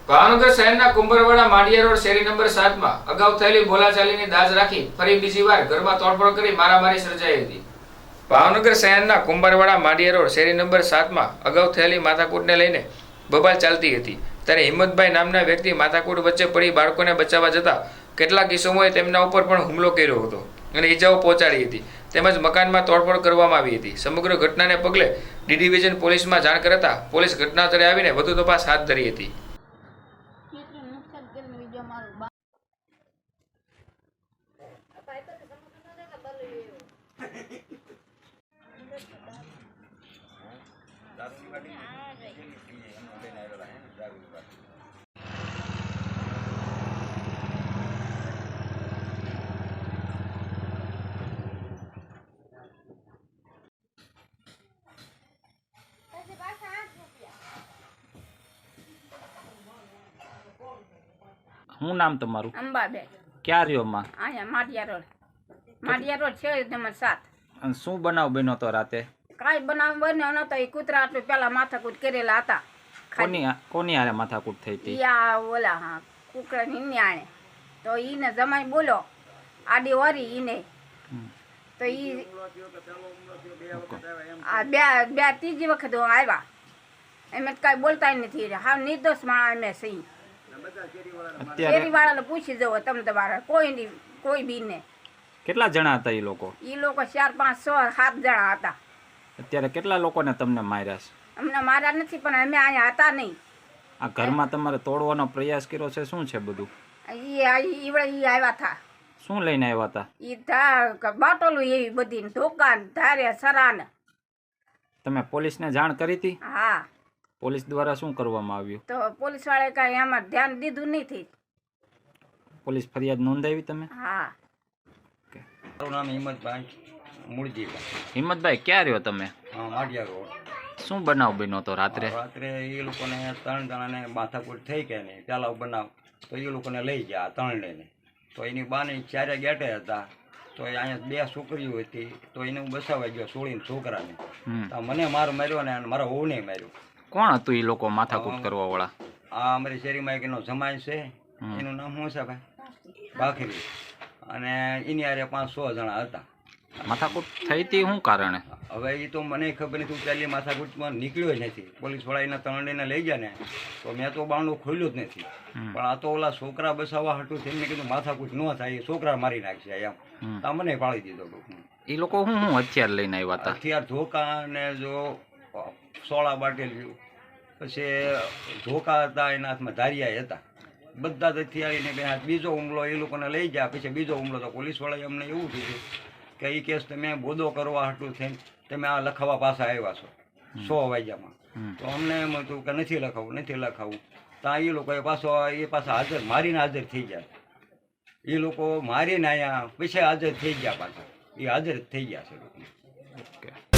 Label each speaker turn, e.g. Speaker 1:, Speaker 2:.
Speaker 1: ભાવનગર શહેરના કુંભરવાડા માંડિયા રોડ શેરી નંબર 7 માં અગાઉ થયેલી બોલાચાલીની દાજ રાખી ફરી બીજી વાર ઘરમાં તોડફોડ કરી મારામારી સર્જાઈ હતી। ભાવનગર શહેરના કુંભરવાડા માંડિયા રોડ શેરી નંબર 7 માં અગાઉ થયેલી માથાકૂટને લઈને બબાલ ચાલતી હતી, ત્યારે હિંમતભાઈ નામના વ્યક્તિ માથાકૂટ વચ્ચે પડી બાળકોને બચાવવા જતા કેટલાક કિસ્સાઓએ તેમના ઉપર પણ હુમલો કર્યો હતો અને ઈજાઓ પહોંચાડી હતી, તેમજ મકાનમાં તોડફોડ કરવામાં આવી હતી। સમગ્ર ઘટનાને પગલે ડી ડિવિઝન પોલીસમાં જાણ કરતા પોલીસ ઘટના સ્થળે આવીને વધુ તપાસ હાથ ધરી હતી।
Speaker 2: શું નામ તમારું?
Speaker 3: અંબાબેન।
Speaker 2: ક્યાં રહ્યો માં?
Speaker 3: અહીંયા માડિયા રોડ છે નંબર 7।
Speaker 2: અને શું બનાવ બન્યો તો રાતે?
Speaker 3: કાંઈ બનાવ બન્યો નતો, એ કૂતરા આટલું પેલા માથાકૂટ કરેલા હતા।
Speaker 2: કોની હારે માથાકૂટ થઈ હતી?
Speaker 3: યા ઓલા હા કુકરાની ન્યાણે તો ઈને જમાઈ બોલો આડી વરી ઈને તો ઈ આ બે ત્રીજી વખત આવ્યા, એમ કાંઈ બોલતા નથી, હા નિર્દોષ માણસ અમે સહી। શેરી વાળાને પૂછી જવો તમે તમારા કોઈ બી ને।
Speaker 2: કેટલા જણા હતા એ લોકો?
Speaker 3: એ લોકો 4, 5, 6, 7 જણા હતા।
Speaker 2: અત્યારે કેટલા લોકોને તમને માર્યા છે?
Speaker 3: અમને માર્યા નથી, પણ અમે અહીંયા હતા નહીં।
Speaker 2: આ ઘરમાં તમારે તોડવાનો પ્રયાસ કર્યો છે, શું છે બધું?
Speaker 3: ઈ આવ્યા હતા।
Speaker 2: શું લઈને આવ્યા હતા?
Speaker 3: ઈ બાટોલું એવી બધી દુકાન ધારે સરાને।
Speaker 2: તમે પોલીસને જાણ કરી હતી?
Speaker 3: હા।
Speaker 2: પોલીસ દ્વારા શું કરવામાં આવ્યું?
Speaker 3: તો પોલીસ વાળાએ કાંઈ એમાં ધ્યાન દીધું નથી।
Speaker 2: પોલીસ ફરિયાદ નોંધાવી તમે?
Speaker 3: હા।
Speaker 4: મારું નામ હિંમતભાઈ મૂળજીભાઈ।
Speaker 2: હિંમતભાઈ ક્યાં રહ્યો તમે?
Speaker 4: માડિયા રોડ।
Speaker 2: શું બનાવ બન્યો તો રાત્રે?
Speaker 4: રાત્રે એ લોકોને 3 જણાને માથાકૂટ થઈ કે નહીં પેલા બનાવ, તો એ લોકોને લઈ ગયા 3 લઈને, તો એની બાને 4 ગેટે હતા, તો એ અહીંયા 2 છોકરીઓ હતી, તો એને હું બસાવવા ગયો છોડીને છોકરાને, તો મને માર્યો ને મારા વહુને માર્યો।
Speaker 2: કોણ હતું એ લોકો માથાકૂટ કરવા વાળા?
Speaker 4: આ અમારી શેરીમાં એક એનો જમાઈ છે, એનું નામ શું છે ભાઈ? બાખરી, અને એની હારે 5-6 જણા હતા।
Speaker 2: માથાકૂટ થઈ હતી શું કારણે?
Speaker 4: હવે એ તો મને ખબર નથી, પહેલી માથાકૂટમાં નીકળ્યો જ નથી। પોલીસવાળા એના 3 લઈને લઈ ગયા ને, તો મેં તો બારણું ખોલ્યું જ નથી, પણ આ તો ઓલા છોકરા બસાવવા હતું તેમને કીધું માથાકૂટ ન થાય, એ છોકરા મારી નાખશે એમ, તો મને પાડી દીધો।
Speaker 2: એ લોકો શું હથિયાર લઈને આવ્યા હતા?
Speaker 4: હથિયાર ધોકા ને જો સોળા બાટેલ્યું, પછી ધોકા હતા, એના હાથમાં ધારિયા હતા, બધા જ હથિયારીને બે હાથ। બીજો હુમલો એ લોકોને લઈ ગયા, પછી બીજો હુમલો તો પોલીસવાળાએ અમને એવું કીધું કે એ કેસ તમે બોધો કરવા હાટું થઈને તમે આ લખાવા પાછા આવ્યા છો 100 વાગ્યામાં, તો અમને એમ હતું કે નથી લખાવું, તો એ લોકોએ પાછા હાજર મારીને હાજર થઈ ગયા। એ લોકો મારીને અહીંયા પછી હાજર થઈ ગયા, પાછા એ હાજર થઈ ગયા છે લોકો।